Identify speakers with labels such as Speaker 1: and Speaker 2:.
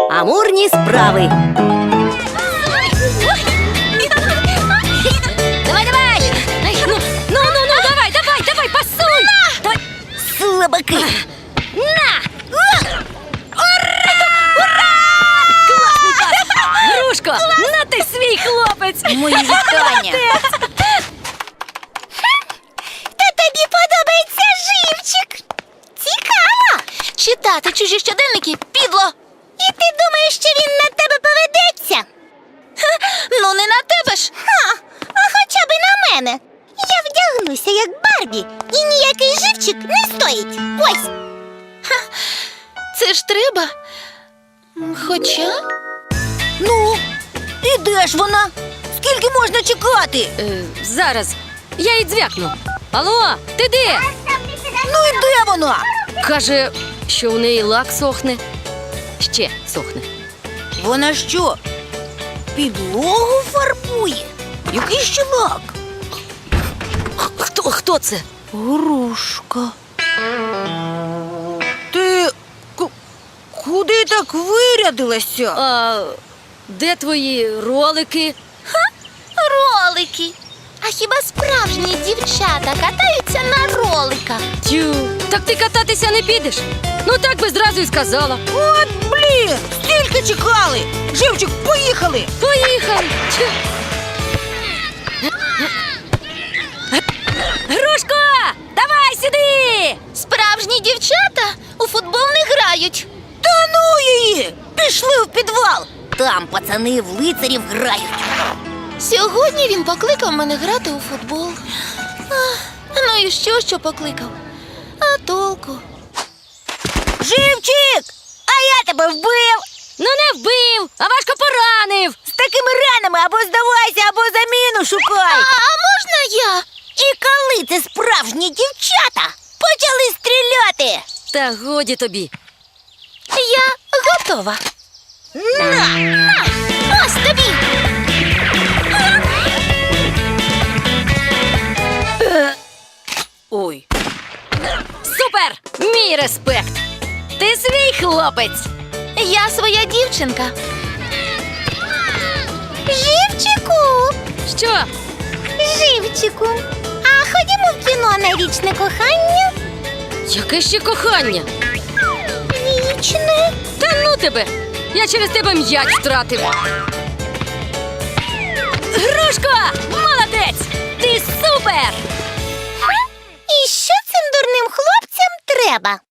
Speaker 1: Амурні справи.
Speaker 2: Давай! Давай, пасуй! Давай.
Speaker 1: Слабаки.
Speaker 2: На! Ура! Класний пас! Грушко, на ти свій хлопець!
Speaker 1: Мої вітання.
Speaker 3: Та тобі подобається живчик. Цікаво. Читати чужі щоденники підло. І ти думаєш, що він на тебе поведеться? Ну, не на тебе ж. А хоча б на мене. Я вдягнуся, як Барбі, і ніякий живчик не стоїть. Ось. Це ж треба. Хоча...
Speaker 1: Ну, і де ж вона? Скільки можна чекати?
Speaker 2: Зараз. Я їй дзвякну. Алло, ти де?
Speaker 1: Ну і де вона?
Speaker 2: Каже, що у неї лак сохне. Ще сохне.
Speaker 1: Вона що, підлогу фарбує? Який ще лак?
Speaker 2: Хто це?
Speaker 1: Грушка. Ти куди так вирядилася?
Speaker 2: А де твої ролики?
Speaker 3: Ролики. А хіба справжні дівчата катаються на роликах?
Speaker 2: Тю, так ти кататися не підеш? Ну так би зразу й сказала.
Speaker 1: От блін, стільки чекали. Живчик, поїхали.
Speaker 2: Поїхали! Тю. Грушко, давай сюди!
Speaker 3: Справжні дівчата у футбол не грають.
Speaker 1: Та ну її! Пішли в підвал. Там пацани в лицарів грають.
Speaker 3: Сьогодні він покликав мене грати у футбол. Ну і що покликав? А толку?
Speaker 1: Живчик! А я тебе вбив!
Speaker 2: Ну не вбив, а важко поранив.
Speaker 1: З такими ранами або здавайся, або заміну шукай!
Speaker 3: А можна я?
Speaker 1: І коли це справжні дівчата почали стріляти?
Speaker 2: Та годі тобі.
Speaker 3: Я готова.
Speaker 1: На!
Speaker 3: Ось тобі.
Speaker 1: Ой.
Speaker 2: Супер! Мій респект! Ти свій хлопець!
Speaker 3: Я своя дівчинка. Живчику!
Speaker 2: Що?
Speaker 3: Живчику. А ходімо в кіно на вічне кохання?
Speaker 2: Яке ще кохання?
Speaker 3: Вічне.
Speaker 2: Та ну тебе! Я через тебе м'яч втратив. Грушко! Молодець! Ти супер!
Speaker 3: І що цим дурним хлопцям треба?